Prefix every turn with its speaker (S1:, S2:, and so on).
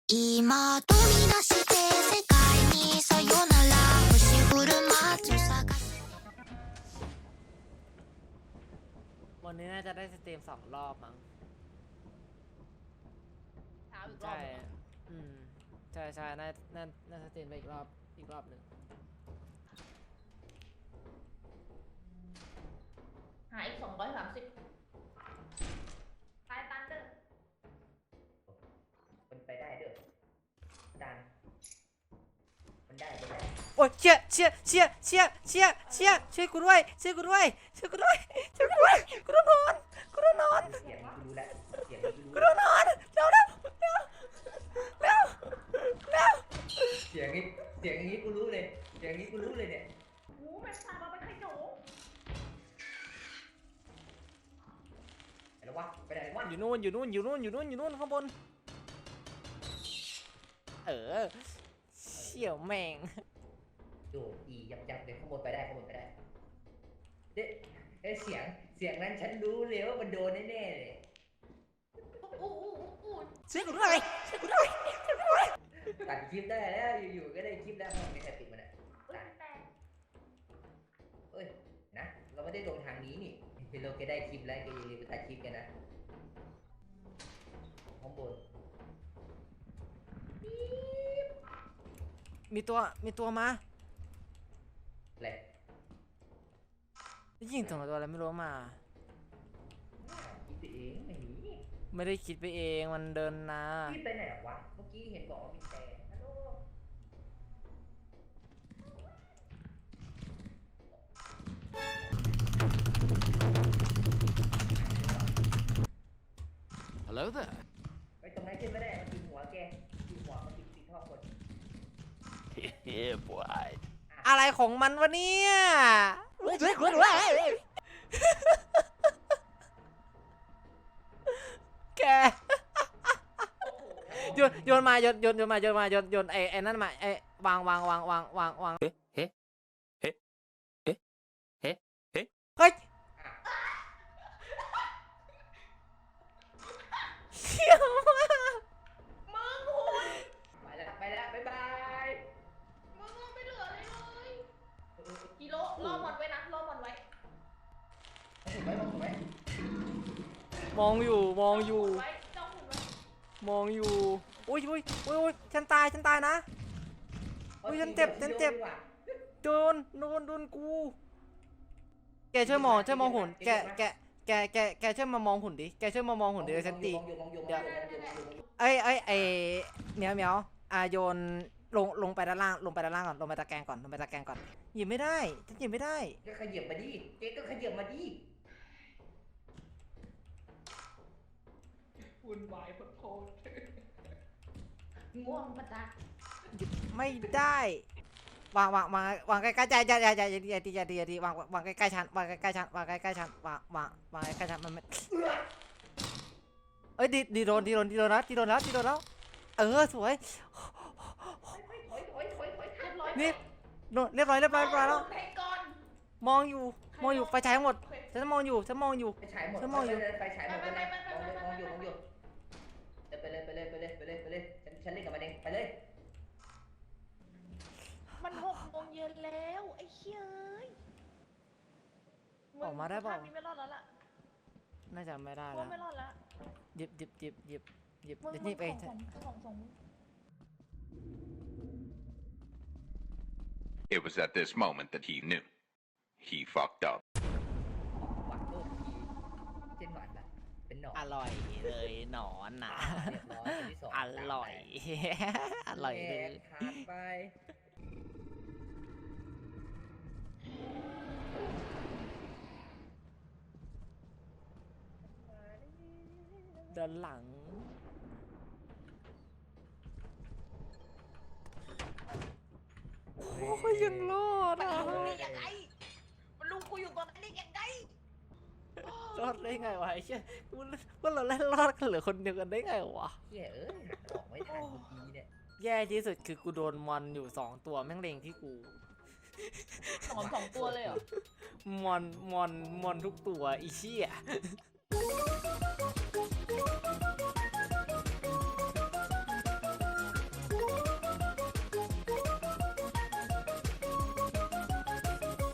S1: 今飛び出して世界にさよなら星降る街を探す
S2: วันนี้น่าจะได้สตรีม2 รอบมั้งใช่ใช่น่าสตรีมไปอีกรอบหนึ่ง
S3: หาอีก230ตายตันเด้อ
S4: มันไปได้เด้อดันมันได้ไปได้
S2: โอ้ยเชี่ยช่วยกูด้วยกูโดนนอน
S4: เสียงกูรู้แล้วเสียงกู
S2: กู
S4: รู้
S2: โดนนอนเร็ว
S4: เสียงอย่างนี้กูรู้เลยเสียงอย่างนี้กูรู้เลยเนี่ย
S3: หูแม่งพามาเป็นไข่หนู
S4: ไปแล้ววะไปไหนวะ
S2: อยู่นู่นข้างบนเชี่ยวแม่ง
S4: โดดอียับเดี๋ยวขโมยไปได้เด้เสียงนั้นฉันรู้เลยว่ามันโดนแน่ๆเลย
S3: อู้
S2: ช่วยกูด้วย
S4: ตัดคลิปได้แล้วอยู่ๆก็ได้คลิปแล้วไม่ใครปิดมันอ่ะ
S3: แต่
S4: เอ้ยนะเราไม่ได้ลงทางนี้นี่คือเราแกได้คลิปแล้วแกอย่าลืมไปตัดคลิปกันนะข้างบน
S2: มีตัวมา
S4: อะไร
S2: ยิงตัวอะไรไม่รู้มา
S4: คิดไปเองไม่หนี
S2: ไม่ได้คิดไปเองมันเดินนะ
S4: พี่ไปไหนวะเมื่อกี้เห็นบอกว่ามีแต่ฮัลโหล
S5: Hello there.
S4: ไปตรงนั้นขึ้นไม่ได้มันกินหัวแกกินหัวมันกินท่อคน
S5: Yeah, boy.
S2: อะไรของมันวะเนี่ยแกโยนมาไอ้นั่นมาไอ้วางเฮ้ยเขี้ยวมาก
S3: มึงหู
S4: ไปแล้วบ๊ายบาย
S3: มึงไม่เหลืออะไรเลยกิโลรอหมดไว้นะรอหมดไว้
S4: ถูกไหม
S2: มองอยู่
S3: ไว้จ้องหุ่นไว้
S2: อุ้ยฉันตายนะ อุ๊ยฉันเจ็บ โดนกูแกช่วยมองหุ่นแกช่วยมามองหุ่นดิช่วยมามองหุ่นดิฉันตีเอ้ยเหมียวโยนลงไปด้านล่างก่อนลงไปตะแกรงก่อนหยิบไม่ได้ฉันหยิบไม่ได้
S4: ก็ขยับมาดิเจ๊ก็ขยับมาดิ
S3: วุ่นวายโคตรง่วงปะจ๊ะ
S2: หยิบไม่ได้วางใกล้ๆใจอย่าวางใกล้ๆฉันวางใกล้ๆฉันวางใกล้ๆฉันมันไม่เอ้ยดีโดนแล้วสวย นี่เรียบร้อยแล้ว
S3: เพลงก่อน
S2: มองอยู่ไฟฉายหมดฉันมองอยู่
S4: ไปฉายหมด
S2: ฉันมองอยู่
S4: ไปฉายหมดไปเลยมองอยู่ไปเลยฉันเล่นกับมันเองไปเลย
S3: มัน6 โมงเย็นแล้วไอ้เหี้ย
S2: ออกมาได้เปล่า
S3: ไม่รอดแล้วล่ะ
S2: น่าจะไม่ได้
S3: กู
S2: แล้ว
S3: ไม่รอดแล้ว
S2: หยิบ
S3: มึง
S2: นี่ไป
S3: ของ
S6: It was at this moment that he knew. He fucked up.
S4: วัดโลกทีเช่นหวัดละเป็นหนอน
S2: อร่อยเลยหนอนนะ
S4: เรียบร้อยคนที่สอง
S2: อร่อยเลย
S4: ขาดไป
S2: ด้านหลังโอ้ยยังรอดอ่ะ
S3: มันรู้ได้ยังไงมันรู้กูอยู่ตรงนั้นได้ยังไง
S2: รอดได้ไงวะไอ้เชี่ยว่าเราเล่นรอดกันเหลือคนเดียวกันได้ไงวะ
S4: เหี้ยออกไม่ทันทุกทีเนี่ย
S2: แย่ที่สุดคือกูโดนมอนอยู่2 ตัวแม่งเล็งที่กู
S3: หนอน2 ตัวเลยเหรอ
S2: มอนทุกตัวอีเชี่ย